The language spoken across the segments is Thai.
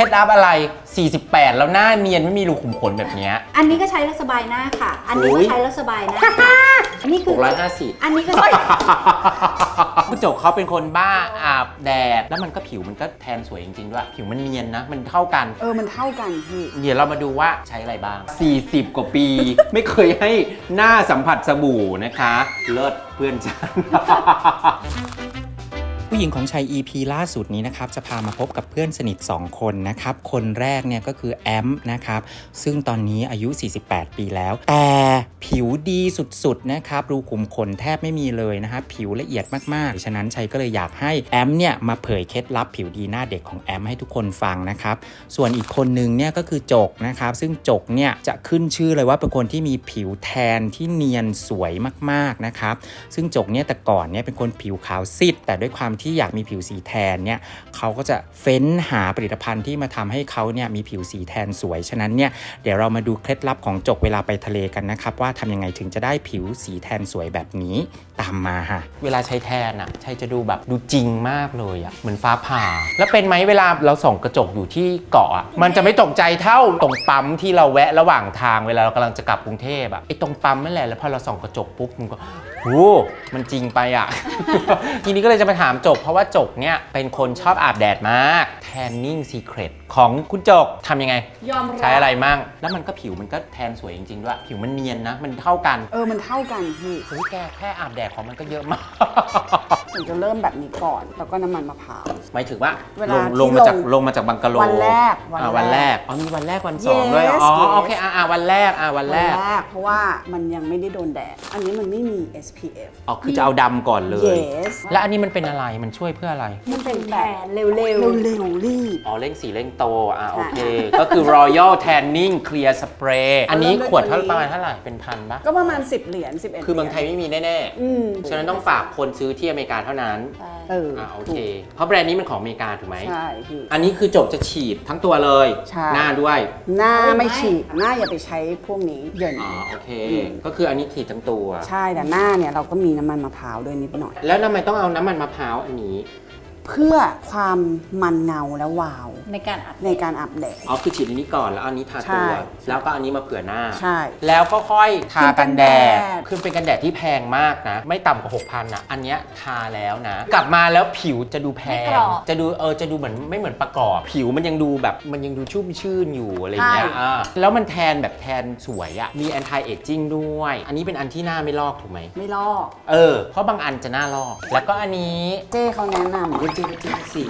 ล็ดลับอะไร48แล้วหน้าเนียนไม่มีรูขุมขนแบบนี้อันนี้ก็ใช้แล้วสบายหน้าค่ะอันนี้ก็ใช้แล้วสบายหน้าอันนี้คือ 650 อันนี้ก็ใช้คุณโจกเขาเป็นคนบ้าอาบแดดแล้วมันก็ผิวมันก็แทนสวยจริงๆด้วยผิวมันเนียนนะมันเท่ากันมันเท่ากันพี่เดี๋ยวเรามาดูว่าใช้อะไรบ้าง40กว่าปีไม่เคยให้หน้าสัมผัสสบู่นะคะเลิศเพื่อนฉันผู้หญิงของชัย EP ล่าสุดนี้นะครับจะพามาพบกับเพื่อนสนิท2คนนะครับคนแรกเนี่ยก็คือแอมนะครับซึ่งตอนนี้อายุ48ปีแล้วแต่ผิวดีสุดๆนะครับรูขุมขนแทบไม่มีเลยนะครับผิวละเอียดมากๆฉะนั้นชัยก็เลยอยากให้แอมเนี่ยมาเผยเคล็ดลับผิวดีหน้าเด็กของแอมให้ทุกคนฟังนะครับส่วนอีกคนนึงเนี่ยก็คือจกนะครับซึ่งจกเนี่ยจะขึ้นชื่อเลยว่าเป็นคนที่มีผิวแทนที่เนียนสวยมากๆนะครับซึ่งจกเนี่ยแต่ก่อนเนี่ยเป็นคนผิวขาวซีดแต่ด้วยความที่อยากมีผิวสีแทนเนี่ยเขาก็จะเฟ้นหาผลิตภัณฑ์ที่มาทำให้เขาเนี่ยมีผิวสีแทนสวยฉะนั้นเนี่ยเดี๋ยวเรามาดูเคล็ดลับของจกเวลาไปทะเลกันนะครับว่าทำยังไงถึงจะได้ผิวสีแทนสวยแบบนี้ตามมาฮะเวลาใช้แทนอ่ะใช้จะดูแบบดูจริงมากเลยอ่ะเหมือนฟ้าผ่าแล้วเป็นไหมเวลาเราส่องกระจกอยู่ที่เกาะอ่ะมันจะไม่ตกใจเท่าตรงปั๊มที่เราแวะระหว่างทางเวลาเรากำลังจะกลับกรุงเทพอ่ะไอ้ตรงปั๊มนั่นแหละแล้วพอเราส่องกระจกปุ๊บมันก็โอ้มันจริงไปอ่ะ ทีนี้ก็เลยจะมาถามจกเพราะว่าจกเนี่ยเป็นคนชอบอาบแดดมาก Tanning Secret ของคุณจกทำยังไงยอมรับใช้อะไรมั่งแล้วมันก็ผิวมันก็แทนสวยจริงๆด้วยผิวมันเนียนนะมันเท่ากันมันเท่ากันพี่แค่อาบแดดของมันก็เยอะมากถึงจะเริ่มแบบนี้ก่อนแล้วก็น้ำมันมะพร้าวหมายถึงว่าลงมาจากบังกะโลวันแรกวันแรกมีวันแรกวัน2ด้วยโอเควันแรกวันแรกเพราะว่ามันยังไม่ได้โดนแดดอันนี้มันไม่มี SPF คือจะเอาดำก่อนเลย yes แล้วอันนี้มันเป็นอะไรมันช่วยเพื่ออะไรมันเป็นแบบเร็วรีบเร่งสีเร่งโตโอเคก็คือ Royal Tanning Clear Spray อันนี้ขวดประมาณเท่าไหร่เป็นพันปะก็ประมาณ10 เหรียญ11 คือเมืองไทยไม่มีแน่ๆฉะนั้นต้องฝากคนซื้อที่อเมริกาเท่านั้นโอเคเพราะแบรนด์นี้มันของอเมริกาถูกไหมใช่พี่อันนี้คือจบจะฉีดทั้งตัวเลยหน้าด้วยหน้าไม่ฉีดหน้าอย่าไปใช้พวกนี้เยินโอเคก็คืออันนี้ฉีดทั้งตัวใช่แต่หน้าเนี่ยเราก็มีน้ำมันมะพร้าวด้วยนิดหน่อยแล้วทำไมต้องเอาน้ำมันมะพร้าวอันนี้เพื่อความมันเงาและวาวในการอาบแดดคือฉีดอันนี้ก่อนแล้วอันนี้ทาตัวแล้วก็อันนี้มาเผื่อหน้าใช่แล้วก็ค่อยทากันแดดคือเป็นกันแดดที่แพงมากนะไม่ต่ำกว่า 6,000 นะอันนี้ทาแล้วนะกลับมาแล้วผิวจะดูแพงจะดูเหมือนไม่เหมือนประกอบผิวมันยังดูแบบมันยังดูชุ่มชื่นอยู่อะไรอย่างเงี้ยแล้วมันแทนแบบแทนสวยอะมี anti aging ด้วยอันนี้เป็นอันที่หน้าไม่ลอกถูกไหมไม่ลอกเพราะบางอันจะหน้าลอกแล้วก็อันนี้เจ้เขาแนะนำจริงสิ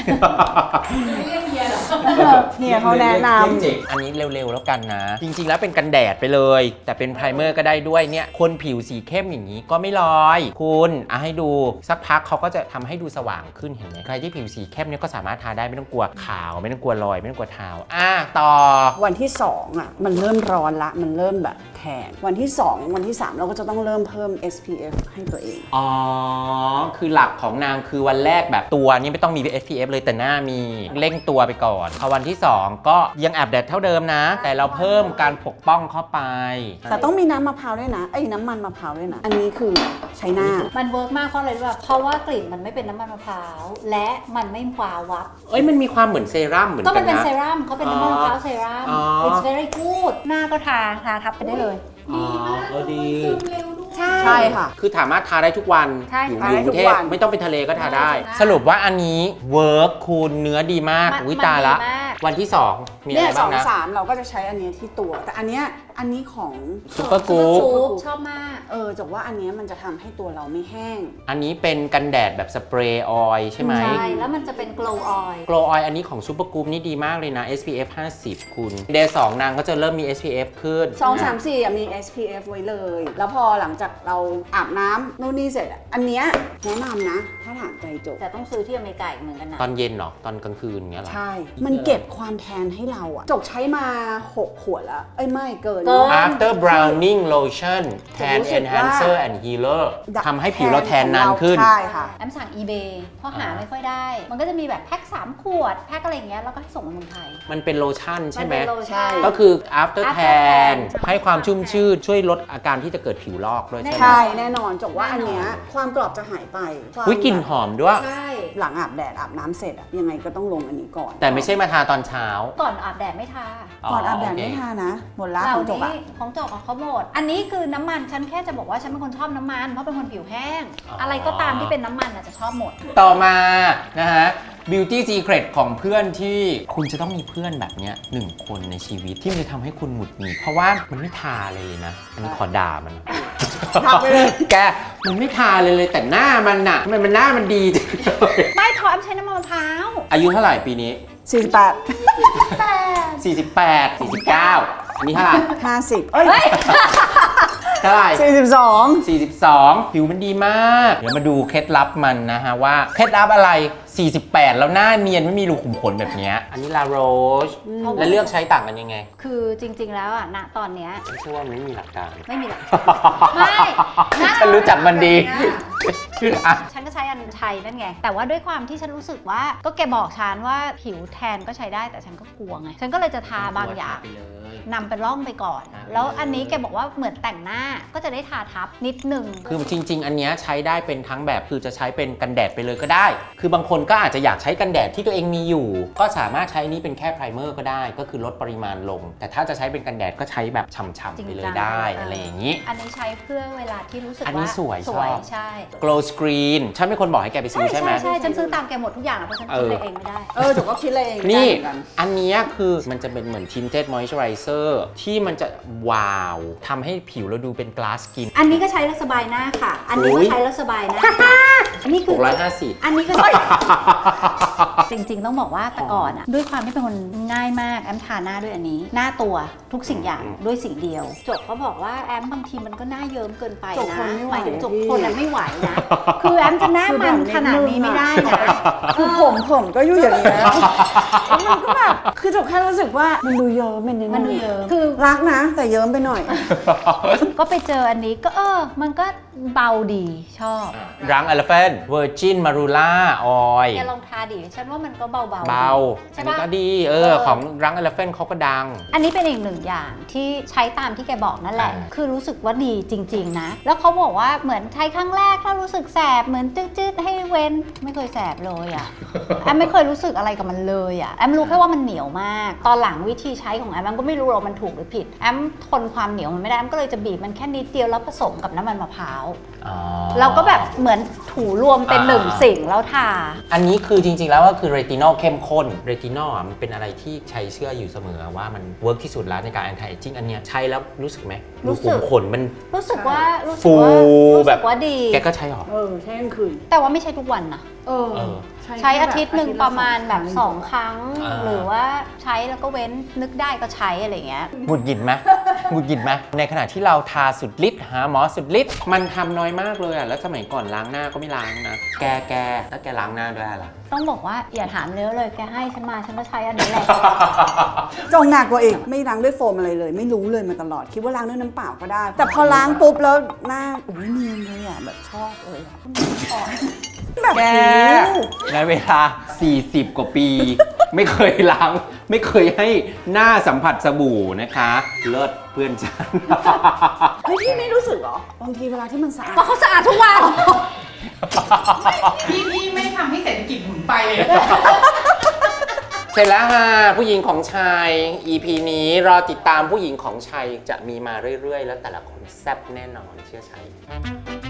เฮียเขาแนะนำอันนี้เร็วๆแล้วกันนะจริงๆแล้วเป็นกันแดดไปเลยแต่เป็นไพรเมอร์ก็ได้ด้วยเนี่ยคนผิวสีเข้มอย่างนี้ก็ไม่ลอยคุณให้ดูสักพักเขาก็จะทำให้ดูสว่างขึ้นเห็นไหมใครที่ผิวสีเข้มเนี่ยก็สามารถทาได้ไม่ต้องกลัวขาวไม่ต้องกลัวรอยไม่ต้องกลัวเทาต่อวันที่2มันเริ่มร้อนละมันเริ่มแบบแทนวันที่2วันที่3เราก็จะต้องเริ่มเพิ่ม SPF ให้ตัวเองคือหลักของนางคือวันแรกแบบตัวนี้ไม่ต้องมี SPF เลยแต่หน้ามีเร่งตัวไปก่อนพอวันที่2ก็ยังอาบแดดเท่าเดิมนะแต่เราเพิ่มการปกป้องเข้าไปแต่ต้องมีน้ำมะพร้าวด้วยนะน้ำมันมะพร้าวด้วยนะอันนี้คือใช้หน้ามันเวิร์กมากเพราะอะไรรู้ป่ะเพราะว่ากลิ่นมันไม่เป็นน้ำมันมะพร้าวและมันไม่วาววับมันมีความเหมือนเซรั่มเหมือนกันนะก็มันเป็นเซรั่มเขาเป็นน้ำมันมะพร้าวเซรั่ม it's very good หน้าก็ทาทับไปได้เลยดีมากดีใช่ค่ะคือสามารถทาได้ทุกวันอยู่กรุงเทพไม่ต้องไปทะเลก็ทาได้สรุปว่าอันนี้เวิร์กคุณเนื้อดีมากตาละวันที่2มีอะไรบ้างนะ 2-3เราก็จะใช้อันนี้ที่ตัวแต่อันนี้ของซุปเปอร์กู๊ดชอบมากจากว่าอันนี้มันจะทำให้ตัวเราไม่แห้งอันนี้เป็นกันแดดแบบสเปรย์ออยล์ใช่ไหมใช่แล้วมันจะเป็น glow oil glow oil อันนี้ของซุปเปอร์กู๊ดนี่ดีมากเลยนะ SPF 50คุณเดย์2นางก็จะเริ่มมี SPF ขึ้น 2-3-4มี SPF ไว้เลยแล้วพอหลังจากเราอาบน้ำนู่นนี่เสร็จอันเนี้ยแนะนำนะถ้าถามใจจบแต่ต้องซื้อที่อเมริกาเหมือนกันนะตอนเย็นเหรอตอนกลางคืนเงี้ยหรอใช่มันเก็บความแทนให้เราจกใช้มา6 ขวดแล้วไม่เกิน After Browning Lotion Tan Enhancer and Healer ทำให้ผิวเราแทนนานขึ้นใช่ค่ะแอมสั่ง eBay เพราะหาไม่ค่อยได้มันก็จะมีแบบแพ็ค3 ขวดแพ็คอะไรอย่างเงี้ยแล้วก็ให้ส่งมาเมืองไทยมันเป็นโลชั่นใช่ไหมก็คือ After Tan ให้ความชุ่มชื่นช่วยลดอาการที่จะเกิดผิวลอกด้วยใช่ไหมใช่แน่นอนจบว่าอันเนี้ยความกรอบจะหายไปกลิ่นลิ่นหอมด้วยใช่หลังอาบแดดอาบน้ำเสร็จอะยังไงก็ต้องลงอันนี้ก่อนแต่ไม่ใช่มาทาตอนเช้าก่อนอาบแดดไม่ทาก่อนอาบแดดโเคไม่ทานะหมดละเหล่าของจบอะนี้ของจบของเขาหมด อันนี้คือน้ำมันฉันแค่จะบอกว่าฉันเป็นคนชอบน้ำมันเพราะเป็นคนผิวแห้ง อะไรก็ตามที่เป็นน้ำมันจะชอบหมดต่อมานะฮะ Beauty Secret ของเพื่อนที่คุณจะต้องมีเพื่อนแบบเนี้ย1 คนในชีวิตที่มันจะทำให้คุณหงุดหงิดเพราะว่ามันไม่ทาเลยนะ อันนี้ขอด่ามันทาไปเลยแกมันไม่ทาเลยแต่หน้ามันน่ะทำไมมันหน้ามันดีจังเลยไม่ทอแอมใช้น้ำมันมะพร้าวอายุเท่าไหร่ปีนี้ 48 แต่ 48 49 อันนี้เท่าไหร่ 50เอ้ยเท่าไหร่ 42 42 ผิวมันดีมาก เดี๋ยวมาดูเคล็ดลับมันนะฮะว่าเคล็ดลับอะไร 48 แล้วหน้าเนียนไม่มีรูขุมขนแบบเนี้ยอันนี้ลาโรชแล้วเลือกใช้ต่างกันยังไงคือจริงๆแล้วอ่ะณตอนเนี้ยไม่ใช่ว่ามันไม่มีหลักการไม่มีหรอก ไม่นะฉันรู้จักมันดีอ่ะฉันก็ใช้อันชัยนั่นไง แต่ว่าด้วยความที่ฉันรู้สึกว่าก็แกบอกฉันว่าผิวแทนก็ใช้ได้แต่ฉันก็กลัวไง ฉันก็เลยจะทาบางอย่างนำเป็นร่องไปก่อน แล้วอันนี้แกบอกว่าเหมือนแต่งหน้าก็จะได้ทาทับนิดนึงคือจริง ๆ อันเนี้ยใช้ได้เป็นทั้งแบบคือจะใช้เป็นกันแดดไปเลยก็ได้ คือบางคนก็อาจจะอยากใช้กันแดดที่ตัวเองมีอยู่ ก็สามารถใช้นี้เป็นแค่ไพรเมอร์ก็ได้ ก็คือลดปริมาณลง แต่ถ้าจะใช้เป็นกันแดดก็ใช้แบบฉ่ำๆไปเลยได้อะไรอย่างนี้อันนี้ใช้เพื่อเวลาที่รู้สึกอันนี้ว่าสวยชอบใช่ Glow Screen ฉันเป็นคนบอกให้แกไปซื้อใช่ไหมใช่ฉันซื้อตามแกหมดทุกอย่างอะเพราะฉันคิดอะไรเองไม่ได้จบก็คิดเลยเองนี่ได้เหมือกัอันเนี้ยคือมันจะเป็นเหมือน tinted moisturizer ที่มันจะว้าวทำให้ผิวเราดูเป็น glass skin อันนี้ก็ใช้แล้วสบายหน้าค่ะ อันนี้ก็ใช้แล้วสบายหน้าอันนี้คือ 650 อันนี้ก็ จริงๆต้องบอกว่าแต่ก่อนอะด้วยความที่เป็นคนง่ายมากแอมทาหน้าด้วยอันนี้ หน้าตัวทุกสิ่งอย่างด้วยสิ่งเดียว จบเขาบอกว่าแอมบางทีมันก็หน้าเยิ้มเกินไปจบนะคนไม่ไหวหมายถึงจบพี่คนอะไม่ไหวนะ คือแอมจะหน้ามันขนาดนี้ไม่ได้นะคือผมก็อยู่อย่างนี้แล้วมันก็แบบคือจบแค่รู้สึกว่ามันดูเยิ้มเป็นนิดมันดูเยิ้มคือรักนะ แต่เยิ้มไปหน่อยก็ไปเจออันนี้ก็มันก็เบาดีชอบรัง Elephant Virgin Marula Oil แกลองทาดิฉันว่ามันก็เบาๆเบาใช่อันนี้ปะก็ดีของรัง Elephant เขาก็ดังอันนี้เป็นอีกหนึ่งอย่างที่ใช้ตามที่แกบอกนั่นแหละอ่าคือรู้สึกว่าดีจริง ๆ นะ แล้วเขาบอกว่าเหมือนใช้ครั้งแรกถ้ารู้สึกแสบเหมือนจืดๆให้เว้นไม่เคยแสบเลยอ่ะ แอมไม่เคยรู้สึกอะไรกับมันเลยอ่ะแอมรู้แค่ว่ามันเหนียวมาก ตอนหลังวิธีใช้ของแอมก็ไม่รู้หรอกมันถูกหรือผิดแอมทนความเหนียวมันไม่ได้แอมก็เลยจะบีบมันแค่นิดเดียวแล้วผสมกับน้ำมันมะพร้าวอ๋อเราก็แบบเหมือนถูรวมเป็นหนึ่งสิ่งแล้วทาอันนี้คือจริงๆแล้วก็คือเรตินอลเข้มข้นเรตินอลมันเป็นอะไรที่ใช้เชื่ออยู่เสมอว่ามันเวิร์กที่สุดแล้วในการ anti aging อันเนี้ยใช้แล้วรู้สึกไหมรู้สึกรูขุมขนมันรู้สึกว่ารู้ฟูสึแบบกว่าดีแกก็ใช้หรอใช่กลางคืนแต่ว่าไม่ใช่ทุกวันนะ ใช้อาทิตย์หนึ่งประมาณแบบ2 ครั้ง หรือว่าใช้แล้วก็เว้นนึกได้ก็ใช้อะไรเงี้ยหงุดหงิดไหมหงุดหงิดไหมในขณะที่เราทาสุดฤทธิ์หาหมอสุดฤทธิ์มันทำน้อยมากเลยอ่ะแล้วสมัยก่อนล้างหน้าก็ไม่ล้างนะแกแล้วแกล้างหน้าด้วยอะไรต้องบอกว่าอย่าถามเยอะเลยแกให้ฉันมาฉันก็ใช้อันนี้แหละจงหนักกว่าอีกไม่ล้างด้วยโฟมอะไรเลย ไม่รู้เลยมาตลอดคิดว่าล้างด้วยน้ำเปล่าก็ได้ แต่พอล้างปุ๊บแล้วหน้าอุ้ยเนียนเลยอ่ะแบบชอบเลยอะแบบแกโอ้โหในเวลา 40 กว่าปี ไม่เคยล้าง ไม่เคยให้หน้าสัมผัสสบู่นะคะ เลิศเพื่อนฉันเฮ้ยพี่ไม่รู้สึกเหรอบางทีเวลาที่มันสะอาดเพราะเขาสะอาดทุกวันพี่ไม่ทำให้เศรษฐกิจหมุนไปเลยเสร็จแล้วค่ะผู้หญิงของชาย EP นี้รอติดตามผู้หญิงของชายจะมีมาเรื่อยๆ แล้วแต่ละคนแซ่บแน่นอนเชื่อชัย